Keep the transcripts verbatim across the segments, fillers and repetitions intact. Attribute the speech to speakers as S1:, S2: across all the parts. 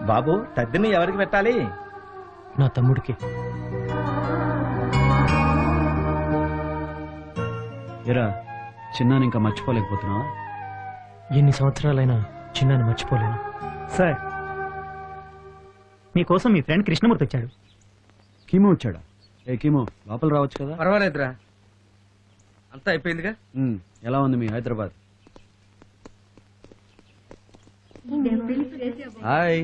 S1: బాబు తద్దిని ఎవరికి పెట్టాలి?
S2: నా తమ్ముడికి.
S3: ఎరా చిన్నాని ఇంకా మర్చిపోలేకపోతున్నావా?
S2: ఎన్ని సంవత్సరాలైనా చిన్నాన్ని మర్చిపోలేను.
S4: సార్ మీకోసం మీ ఫ్రెండ్ కృష్ణమూర్తి వచ్చాడు.
S3: కీమో వచ్చాడా? ఏ కీమో లోపల రావచ్చు కదా.
S5: పర్వాలేదురా, అంతా అయిపోయిందిగా.
S3: ఉమ్, ఎలా ఉంది మీ హైదరాబాద్? హాయ్.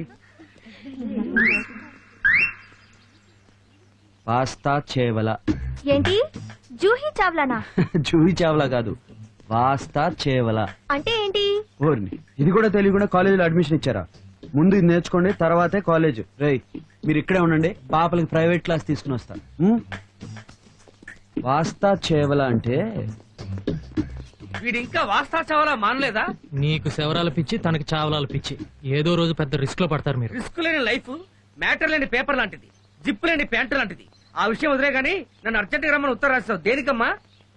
S3: పాస్తా చేవల.
S6: ఏంటి జూహీ చావ్లానా?
S3: జూహి చావలా కాదు, పాస్తా చేవల
S6: అంటే ఏంటి?
S3: ఓర్ని ఇది కూడా తెలియకుండా కాలేజీలో అడ్మిషన్ ఇచ్చారా? ముందు ఇది నేర్చుకోండి, తర్వాతే కాలేజ్. రేయ్ మీరు ఇక్కడే ఉండండి, పాపలకి ప్రైవేట్ క్లాస్ తీసుకుని వస్తా. ఉమ్? పాస్తా చేవల అంటే
S5: వీడు ఇంకా వాస్తా చావాలా మానలేదా?
S2: నీకు శవరాల పిచ్చి, తనకి చావలాల పిచ్చి. ఏదో రోజు పెద్ద రిస్క్ లో పడతారు మీరు.
S5: రిస్క్ లేని లైఫ్ మ్యాటర్ లేని పేపర్ లాంటిది, జిప్ లేని ప్యాంటు లాంటిది. ఆ విషయం వదిలే గానీ నన్ను అర్జెంట్ గా రమ్మని ఉత్తరం రాస్తావు దేనికమ్మా?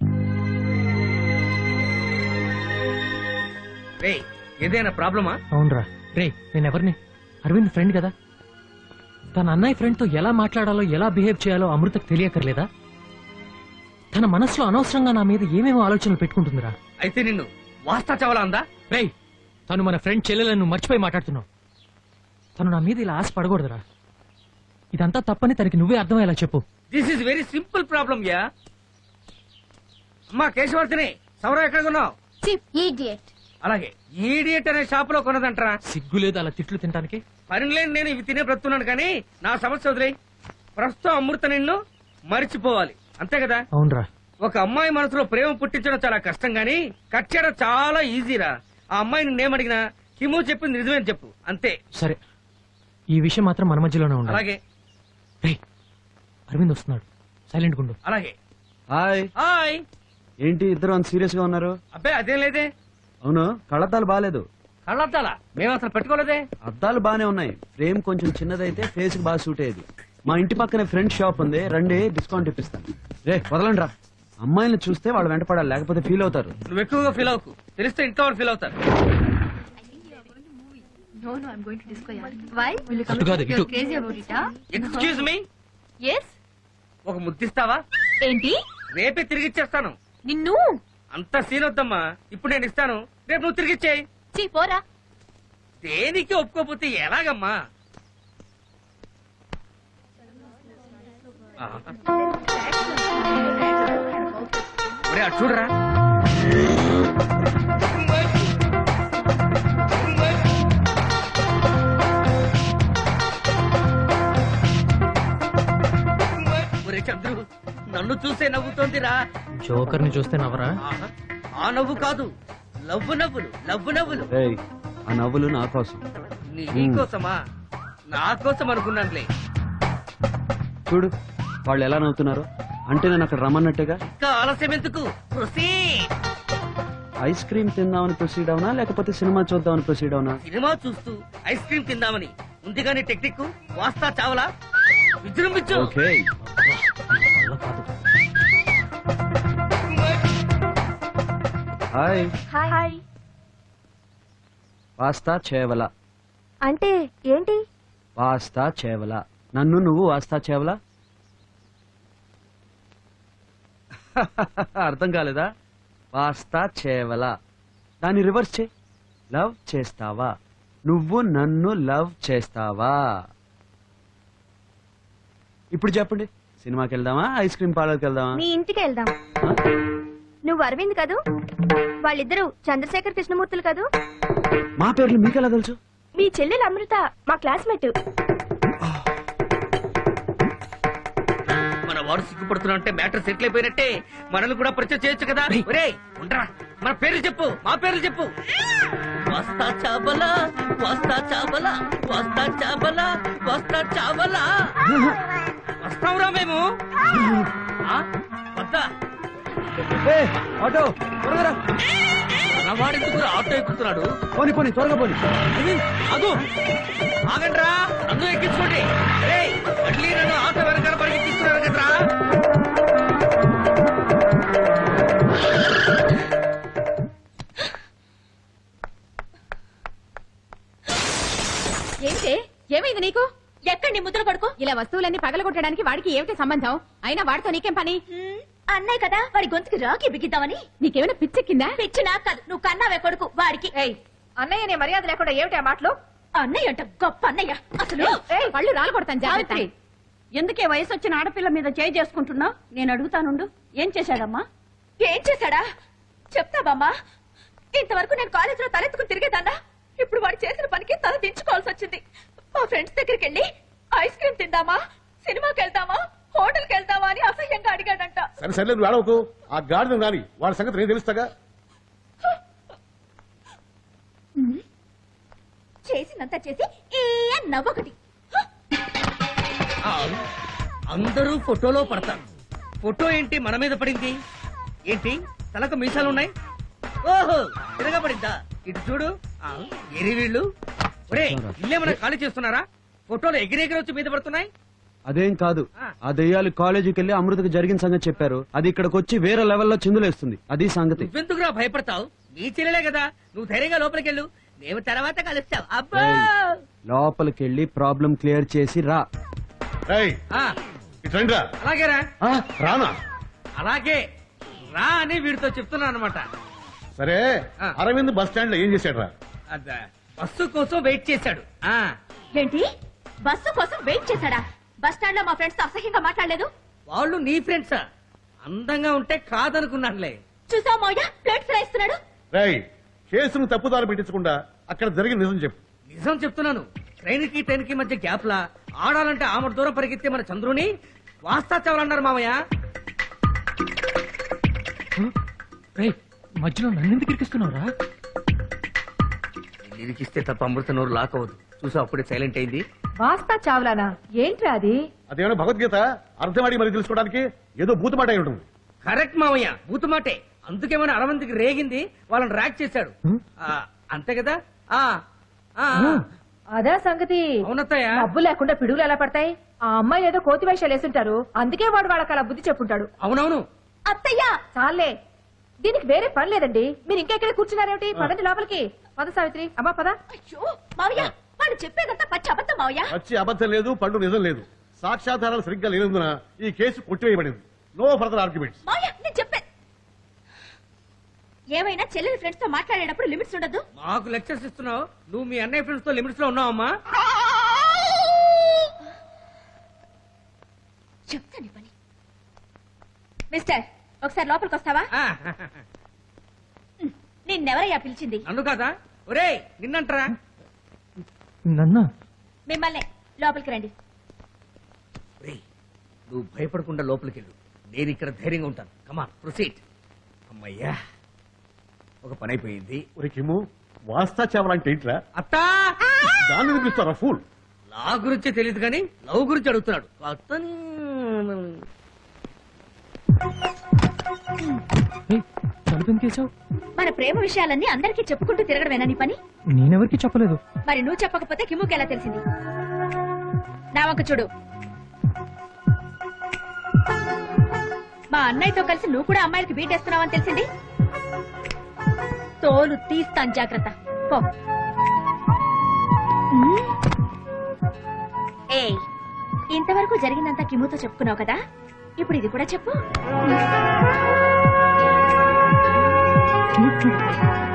S5: రే ఏదైనా ప్రాబ్లమా?
S2: అవునరా. రే నేనెవరిని? అరవింద్ ఫ్రెండ్ కదా. తన అన్నయ్య ఫ్రెండ్ తో ఎలా మాట్లాడాలో, ఎలా బిహేవ్ చేయాలో అమృతకు తెలియకర్లేదా? తన మనసులో అనవసరంగా నా మీద ఏమేమో ఆలోచనలు పెట్టుకుంటుందిరా.
S5: అయితే నిన్ను వాస్తా చావాలా అందా?
S2: రే తను మన ఫ్రెండ్ చెల్లెలను మర్చిపోయి మాట్లాడుతున్నావు. తను నా మీద ఇలా ఆశ పడకూడదురా. ఇదంతా తప్పని తనకి నువ్వే అర్థమయ్యేలా చెప్పు.
S5: This is very simple problem yeah. అమ్మా కేశవర్తిని, సౌర ఎక్కడ కొన్నావు? అలాగే ఈడియట్ అనే షాప్ లో కొన్నదంటరా.
S2: సిగ్గు లేదు అలా తిట్లు తినడానికి?
S5: పని లేని నేను ఇవి తినే బ్రతున్నాను కానీ నా సమస్య వదిలే. ప్రస్తుతం అమృత నిన్ను మరిచిపోవాలి అంతే కదా?
S2: అవునరా.
S5: ఒక అమ్మాయి మనసులో ప్రేమ పుట్టించడం చాలా కష్టం గానీ కట్ చేయడం చాలా ఈజీరా. ఆ అమ్మాయి నిన్నేమడిగినా హిమో చెప్పింది నిజమేని చెప్పు అంతే.
S2: సరే ఈ విషయం మాత్రం మన మధ్యలోనే ఉండాలి.
S5: అలాగే.
S2: రే అరవింద్ వస్తున్నాడు, సైలెంట్ గుండు.
S5: అలాగే.
S3: హాయ్.
S5: హాయ్.
S3: ఏంటి ఇద్దరు అంత సీరియస్ గా ఉన్నారు?
S5: అబ్బాయి అదేం లేదే.
S3: అవును కళ్ళద్దాలు బాగాలేదు.
S5: కళ్ళద్దాలా? మేము అసలు పెట్టుకోలేదే.
S3: అద్దాలు బానే ఉన్నాయి, ఫ్రేమ్ కొంచెం చిన్నదైతే ఫేస్ కి బాగా సూట్ అయ్యేది. మా ఇంటి పక్కనే ఫ్రెండ్ షాప్ ఉంది, రండి డిస్కౌంట్ ఇప్పిస్తాను. రే వదలండి రా, అమ్మాయిని చూస్తే వాళ్ళు వెంటపడాలి, లేకపోతే ఫీల్ అవుతారు.
S5: నువ్వు ఎక్కువగా ఫీల్ అవ్వకు, తెలిస్తే ఇంట్లో వాళ్ళు ఫీల్ అవుతారు.
S2: అటు కాదు, ఇటు.
S5: ఎక్స్క్యూజ్ మీ, ఒక ముద్దిస్తావా?
S6: ఏంటి?
S5: రేపే తిరిగిచ్చేస్తాను.
S6: నిన్ను
S5: అంత సీన్ వద్దమ్మా, ఇప్పుడు నేను ఇస్తాను, రేపు నువ్వు తిరిగిచ్చేయి.
S6: పోరా.
S5: దేనికి ఒప్పుకోపోతే ఎలాగమ్మా? ఒరే అటు చూడరా. ఒరే చంద్రు, నన్ను చూసే నవ్వుతోందిరా.
S2: జోకర్ ని చూస్తే నవ్వరా?
S5: ఆహా, ఆ నవ్వు కాదు, లవ్వు నవ్వులు, లవ్వు నవ్వులు.
S3: రేయ్ ఆ నవ్వులు నా కోసం.
S5: నీ కోసమా? నా కోసం అనుకున్నానులే.
S3: చూడు వాళ్ళు ఎలా నవ్వుతున్నారు, అంటే నేను అక్కడ రమ్మన్నట్టుగా.
S5: ఇంకా ఆలస్యం ఎందుకు? ప్రొసీడ్.
S3: ఐస్ క్రీమ్ తిందామని ప్రొసీడ్ అవునా, లేకపోతే సినిమా చూద్దామని ప్రొసీడ్ అవునా?
S5: సినిమా చూస్తూ ఐస్ క్రీమ్ తిందామని ముందుగానే టెక్నిక్ వాస్తా చావలా విజృంభించు.
S3: ఓకే. హాయ్.
S6: హాయ్.
S3: వాస్తా చేవల
S6: అంటే ఏంటి?
S3: వాస్తా చేవల. నన్ను నువ్వు వాస్తా చేవలా? అర్థం కాలేదా? వాస్తా చేవల, దాన్ని రివర్స్ చే. లవ్ చేస్తావా? నువ్వు నన్ను లవ్ చేస్తావా? ఇప్పుడు చెప్పండి, సినిమాకి వెళ్దామా, ఐస్ క్రీమ్ పార్లర్కి వెళ్దామా?
S6: మీ ఇంటికి వెళ్దాం.
S3: ఆ?
S6: నువ్వు అరవింద్ కదూ? వాళ్ళిద్దరూ చంద్రశేఖర్ కృష్ణమూర్తులు కదూ?
S3: మా పేర్లు మీకెలా తెలుసు?
S6: మీ చెల్లెలు అమృత మా క్లాస్మేట్.
S5: మన వాడు సిగ్గుపడుతున్నా అంటే మ్యాటర్ సెటిల్ అయిపోయినట్టే. మనల్ని కూడా పరిచయం చేయొచ్చు కదా. ఒరేయ్ ఉండరా, మన పేర్లు చెప్పు, మా పేర్లు చెప్పు. వస్తా చాబలా, వస్తా చాబలా, వస్తా చాబలా, వస్తా చాబలా. వస్తాంరా మేము. ఆ? వద్దా?
S3: ఏ, ఆటో త్వరగా రా.
S5: మనవాడెందుకు ఆటో ఎక్కుతున్నాడు?
S3: పోనీ పోనీ త్వరగా పోనీ.
S5: అదు ఆగండ్రా, నన్ను ఎక్కించుకోండి. ఏయ్, మళ్ళీ నన్ను ఆటో వెనకాల పరిగెత్తిస్తున్నారు కదరా.
S6: ఏంటే
S7: ఏమైంది నీకు ఎక్కడ నీ ముద్ర కొడుకు ఇలా వస్తువులన్నీ పగలగొట్టడానికి వాడికి ఏమిటి సంబంధం అయినా వాడితో నీకేం పని
S6: అన్నయ్య కదా వాడి గొంతుకి రాకి బిగిద్దామని.
S7: నీకేమైనా పిచ్చెక్కిందా
S6: పిచ్చి నాకు కాదు, నువ్వు కన్నావే కొడుకు వాడికి.
S7: అన్నయ్య నీ మర్యాద లేకుండా ఏమిటి ఆ మాటలు
S6: అన్నయ్య అంట గొప్ప అన్నయ్య అసలు.
S7: పళ్ళు రాలు కొడతాను జాగ్రత్త.
S8: సావిత్రి ఎందుకే వయసు వచ్చిన ఆడపిల్ల మీద చేయి చేసుకుంటున్నావు? నేను అడుగుతానుండు, ఏం చేశాడమ్మా?
S6: ఏం చేశాడా చెప్తావమ్మా. ఇంతవరకు నేను కాలేజీలో తలెత్తుకుని తిరిగేదాన్నా, ఇప్పుడు వాడు చేసిన పనికి తల దించుకోవాల్సి వచ్చింది. మా ఫ్రెండ్స్ దగ్గరికి వెళ్ళి ఐస్ క్రీమ్ తిందామా, సినిమాకి వెళ్దామా, హోటల్కి వెళ్దామా అని అసహ్యంగా అడిగాడంట.
S9: సరే సరే నువ్వు ఆడవకు. ఆ గాడిద రాని వాడి సంగతి నేను తెలుస్తాగా.
S6: చేసినంత చేసి ఏ నవ్వొకటి.
S5: ఆ, అందరూ ఫోటోలో పడతారు. ఫోటో ఏంటి మన మీద పడింది? ఏంటి తలకు మీసాలు ఉన్నాయి? ఓహో తిరగబడిందా? ఇటు చూడు. ఆ, ఎరి వీళ్ళు ఒరే ఇల్లేమన్నా ఖాళీ చేస్తున్నారా? ఫోటోలు ఎగిరెగిరి వచ్చి మీద పడుతున్నాయి.
S3: అదేం కాదు, ఆ దెయ్యాలు కాలేజీకి వెళ్ళి అమృతకు జరిగిన సంగతి చెప్పారు. అది ఇక్కడికి వచ్చి వేరే లెవెల్లో చిందులేస్తుంది. అది సంగతి.
S5: నువ్వెందుకురా భయపడతావు? నీ చెల్లెలే కదా, నువ్వు ధైర్యంగా లోపలికి వెళ్ళు, మేము తర్వాత కలుస్తాం. అబ్బా
S3: ఏయ్, లోపలికి వెళ్ళి ప్రాబ్లం క్లియర్ చేసి రా.
S9: ఏయ్,
S5: ఆ,
S9: ఇటు రండిరా.
S5: అలాగేరా.
S9: ఆ, రానా?
S5: అలాగే రా అని వీడితో చెప్తున్నా అనమాట.
S9: సరే
S5: ఆ.
S9: అరవింద్ బస్ స్టాండ్ లో ఏం చేశాడు రా?
S5: బస్సు కోసం వెయిట్ చేశాడు. ఆ
S6: ఏంటి బస్సు కోసం వెయిట్ చేశాడా? బస్ స్టాండ్ లో మా ఫ్రెండ్స్ తో అసహ్యంగా మాట్లాడలేదు.
S5: వాళ్ళు నీ ఫ్రెండ్సా? అందంగా ఉంటే కాదనుకున్నానులే.
S6: చూసావు మౌయ ప్లేట్ ఫ్రై ఇస్తున్నాడు.
S9: రేయ్, కేసును తప్పుదారి పెట్టించకుండా అక్కడ జరిగిన నిజం చెప్పు.
S5: నిజం చెప్తున్నాను. ట్రైన్ కి ట్రైన్ కి మధ్య గ్యాప్ లా ఆడాలంటే ఆమె దూరం పరిగెత్తే మన చంద్రుని వాస్తా చావాలన్నారు మామయ్య.
S2: రేయ్ మధ్యలో నన్నెందుకు ఇరికిస్తున్నావురా?
S5: నిరికిస్తే తప్ప అమృత నోరు లాక్ అవ్వదు. చూసా అప్పుడే సైలెంట్ అయింది.
S7: వాస్తా చావ్లానా ఏంట్రా అది?
S9: అదేమైనా భగవద్గీత అర్థమాడి మరి తెలుసుకోవడానికి ఏదో భూతమాట అయి ఉంటుంది.
S5: కరెక్ట్ మామయ్య, బూతుమాటే. అందుకేమైనా అరవంతికి రేగింది, వాళ్ళని ర్యాక్ చేశాడు. ఆ, అంతే కదా? ఆ ఆ, ఆ.
S7: అదే సంగతి.
S5: అవునత్తయ్య.
S7: డబ్బు లేకుండా పిడుగులు ఎలా పడతాయి? ఆ అమ్మాయి ఏదో కోతి వేషాలు వేసుంటారు, అందుకే వాడు వాళ్ళకి అలా బుద్ధి చెప్పుంటాడు.
S5: అవునవును.
S6: అత్తయ్యా
S7: చాలే, దీనికి వేరే పని లేదండి. మీరు ఇంకా ఇక్కడ కూర్చున్నారేమిటి? పదండి లోపలికి. పద సావిత్రి. అమ్మా పద.
S6: అయ్యో మావయ్య వాడు చెప్పేదంతా పచ్చి అబద్ధం మావయ్య.
S9: వచ్చి అబద్ధం లేదు, పండు నిజం లేదు. సాక్ష్యాధారాలు సరిగ్గా లేనందున ఈ కేసు కొట్టివేయబడింది. No further arguments.
S6: మావయ్య నేను చెప్పే ఏమైనా చెల్లెలి ఫ్రెండ్స్ తో మాట్లాడేటప్పుడు లిమిట్స్ ఉండదు.
S5: మాకు లెక్చర్స్ ఇస్తున్నావు, నువ్వు మీ అన్నయ్య ఫ్రెండ్స్ తో లిమిట్స్ లో ఉన్నావమ్మా.
S6: చెప్తాను పని. మిస్టర్ ఒకసారి లోపలికి వస్తావా?
S5: ఆ,
S6: నిన్నెవరయ్యా పిలిచింది?
S5: నన్ను కాదా? ఒరే నిన్నంటరా.
S2: నన్నా?
S6: మిమ్మల్ని. లోపలికి రండి.
S5: ఒరేయ్, నువ్వు భయపడకుండా లోపలికి వెళ్ళు, నేను ఇక్కడ ధైర్యంగా ఉంటాను. Come on proceed. అమ్మయ్యా, ఒక పని అయిపోయింది.
S9: ఒరే కిమ్ము, వాస్తా చావాలంటే ఏంట్రా?
S5: అత్తా
S9: దాన్ని వినిపిస్తారా ఫూల్?
S5: నా గురించి తెలియదు కానీ లవ్ గురించి అడుగుతున్నాడు. అతను
S2: ఏయ్, తలుపు ఎందుకేసావు?
S6: మన ప్రేమ విషయాలన్నీ అందరికీ చెప్పుకుంటూ తిరగడమేనా నీ పని?
S2: నేనెవరికి చెప్పలేదు.
S6: మరి నువ్వు చెప్పకపోతే కిమ్ముకి ఎలా తెలిసింది? నా వంక చూడు. మా అన్నయ్యతో కలిసి నువ్వు కూడా అమ్మాయిలకి బీటేస్తున్నావని తెలిసింది. తోలు తీస్తాను, జాగ్రత్త. పో. ఏయ్, ఇంతవరకు జరిగిందంతా కిమ్ముతో చెప్పుకున్నావు కదా, ఇప్పుడు ఇది కూడా చెప్పు.